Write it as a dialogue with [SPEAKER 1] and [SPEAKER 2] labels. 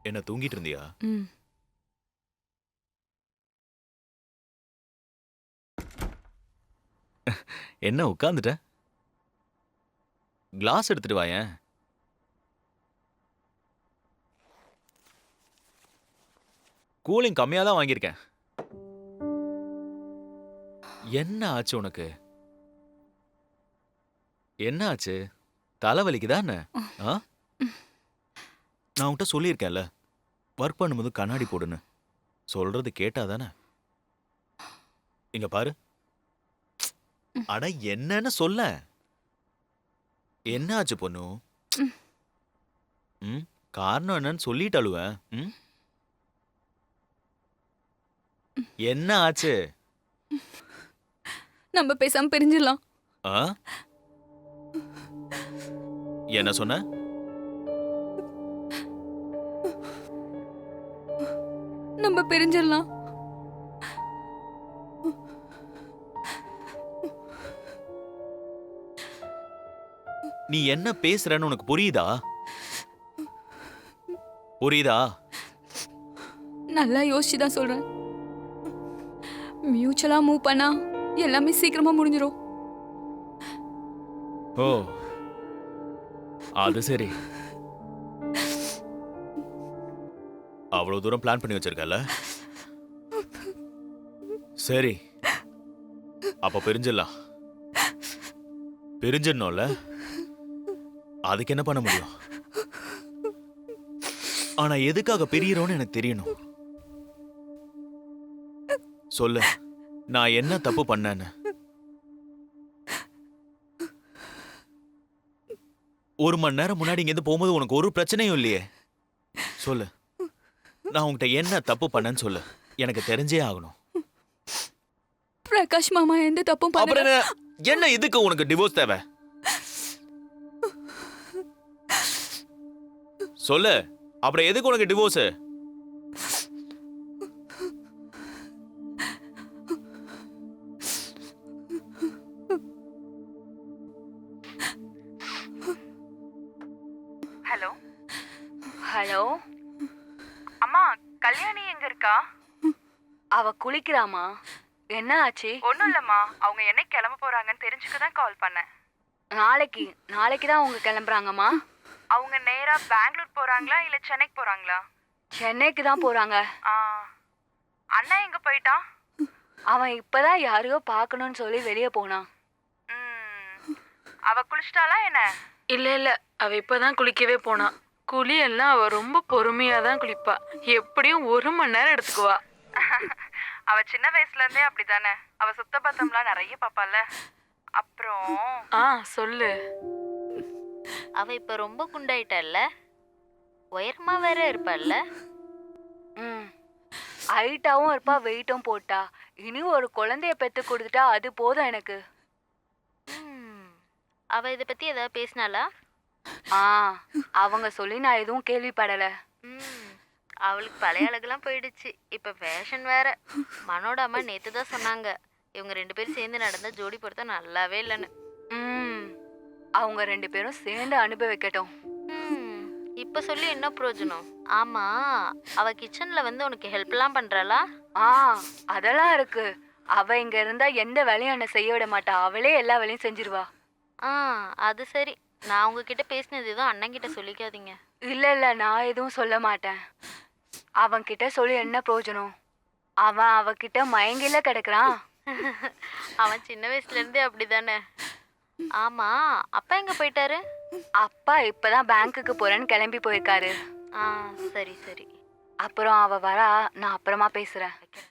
[SPEAKER 1] என்ன தூங்கிட்டு இருந்தியா?
[SPEAKER 2] ம்.
[SPEAKER 1] என்ன உட்கார்ந்துட்ட? கிளாஸ் எடுத்துட்டு வாயேன். கூலிங் கம்மியா தான் வாங்கியிருக்கேன். என்ன ஆச்சு உனக்கு? என்ன ஆச்சு? தலை வலிக்குதா என்ன? ஆ? நான் உன்கிட்ட சொல்லியிருக்கேன்ல, ஒர்க் பண்ணும்போது கண்ணாடி போடுன்னு. சொல்றது கேட்டா தானே? இங்க பாரு. அட என்னன்னு சொல்லேன். என்ன ஆச்சு பொண்ணு? ம்? காரணம் என்னன்னு சொல்லிட்டு அழுவேன். ம்? என்ன ஆச்சு?
[SPEAKER 2] நம்ம பேசாம பிரிஞ்சிடலாம்.
[SPEAKER 1] ஆ? என்ன சொன்ன?
[SPEAKER 2] நம்ம பிரிஞ்சிடலாம்.
[SPEAKER 1] நீ என்ன பேசுறன்னு உனக்கு புரியுதா? புரியுதா?
[SPEAKER 2] நல்லா யோசிச்சு தான் சொல்றேன். மியூச்சுவலா மூவ் பண்ணா எல்லாமே சீக்கிரமா முடிஞ்சிரும்.
[SPEAKER 1] ஓ, அது சரி. அவ்வளவு தூரம் பிளான் பண்ணி வச்சிருக்கல. சரி, அப்ப பிரிஞ்சிடலாம். பிரிஞ்சிடணும்ல? அதுக்கு என்ன பண்ண முடியும்? ஆனா எதுக்காக பிரியறோம்னு எனக்கு தெரியணும். சொல்லு, நான் என்ன தப்பு பண்ணேன்னு. ஒரு மணி நேரம் முன்னாடி இங்கிருந்து போகும்போது உனக்கு ஒரு பிரச்சனையும் இல்லையே. சொல்லு, நான் உன்கிட்ட என்ன தப்பு பண்ணேன்னு சொல்லு. எனக்கு தெரிஞ்சே ஆகணும்.
[SPEAKER 2] பிரகாஷ் மாமா எந்த தப்பும்
[SPEAKER 1] அப்புறம்
[SPEAKER 2] பண்ணல.
[SPEAKER 1] என்ன இதுக்கு உனக்கு டிவோர்ஸ் தேவை? சொல்லு, அப்புறம் எதுக்கு உனக்கு டிவோர்ஸ்?
[SPEAKER 3] ஹலோ
[SPEAKER 2] ஹலோ,
[SPEAKER 3] அம்மா, கல்யாணி எங்க இருக்கா?
[SPEAKER 2] அவ குளிக்கிறாமா? என்ன ஆச்சு?
[SPEAKER 3] ஒன்றும் இல்லைம்மா, அவங்க என்னைக்கு கிளம்ப போறாங்கன்னு தெரிஞ்சுக்க தான் கால் பண்ணேன்.
[SPEAKER 2] நாளைக்கு தான் அவங்க கிளம்புறாங்கம்மா.
[SPEAKER 3] அவங்க நேரா பெங்களூர் போறாங்களா இல்ல சென்னைக்கு போறாங்களா?
[SPEAKER 2] சென்னைக்கு தான் போறாங்க.
[SPEAKER 3] ஆ, அண்ணா எங்க போயிட்டான்?
[SPEAKER 2] அவன் இப்பதான் யாரையோ பார்க்கணும்னு சொல்லி வெளியே போனான்.
[SPEAKER 3] ம், அவ குளிச்சிட்டாளா என்ன?
[SPEAKER 4] இல்ல அவ இப்பதான் குளிக்கவே போனா. குளி எல்லாம் அவ ரொம்ப பொறுமையா தான் குளிப்பா. எப்படியும் 1 மணி நேரம் எடுத்துக்குவா.
[SPEAKER 3] அவ சின்ன வயசுல இருந்தே அப்படிதானே. அவ சுத்த பத்தம்லாம் நிறைய பாப்பால. அப்புறம்
[SPEAKER 4] சொல்லு.
[SPEAKER 5] அவ இப்ப ரொம்ப குண்டாயிட்டால, உயரமா வேற இருப்பாள்ல.
[SPEAKER 2] ம். ஹைட்டாவும் இருப்பா, வெயிட்டும் போட்டா. இனி ஒரு குழந்தைய பெத்து கொடுத்துட்டா அது போதும் எனக்கு.
[SPEAKER 5] ம், அவ இத பத்தி ஏதாவது பேசினாளா?
[SPEAKER 2] ஆ, அவங்க சொல்லி நான் எதுவும் கேள்விப்படல.
[SPEAKER 5] ம், அவளுக்கு பழைய அழகெல்லாம் போயிடுச்சு. இப்ப ஃபேஷன் வேற. மனோட அம்மா நேத்து தான் சொன்னாங்க, இவங்க 2 பேரும் சேர்ந்து நடந்த ஜோடி பொருத்தம் நல்லாவே இல்லைன்னு.
[SPEAKER 2] ம். அவங்க 2 பேரும் சேர்ந்து அனுபவிக்கட்டும்.
[SPEAKER 5] ம், இப்ப சொல்லி என்ன பிரயோஜனம்? ஆமா, அவ கிச்சன்ல வந்து உனக்கு ஹெல்ப்லாம் பண்றாளா?
[SPEAKER 2] ஆ, அதெல்லாம் இருக்கு. அவ இங்க இருந்தா எந்த வேலையும் என்ன செய்ய விட மாட்டா. அவளே எல்லா வேலையும் செஞ்சிருவா.
[SPEAKER 5] ஆ, அது சரி. நான் உங்ககிட்ட பேசினது எதுவும் அண்ணன் கிட்ட சொல்லிக்காதீங்க.
[SPEAKER 2] இல்ல, நான் எதுவும் சொல்ல மாட்டேன். அவன்கிட்ட சொல்லி என்ன பிரயோஜனம்? அவன் அவகிட்ட மயங்கில கிடக்குறான்.
[SPEAKER 5] அவன் சின்ன வயசுல இருந்தே அப்படிதானே. ஆமா, அப்பா எங்க போயிட்டாரு?
[SPEAKER 2] அப்பா இப்பதான் பேங்க்குக்கு போறேன்னு கிளம்பி போயிருக்காரு.
[SPEAKER 5] ஆ, சரி சரி.
[SPEAKER 2] அப்புறம் அவ வரா, நான் அப்புறமா பேசுறேன்.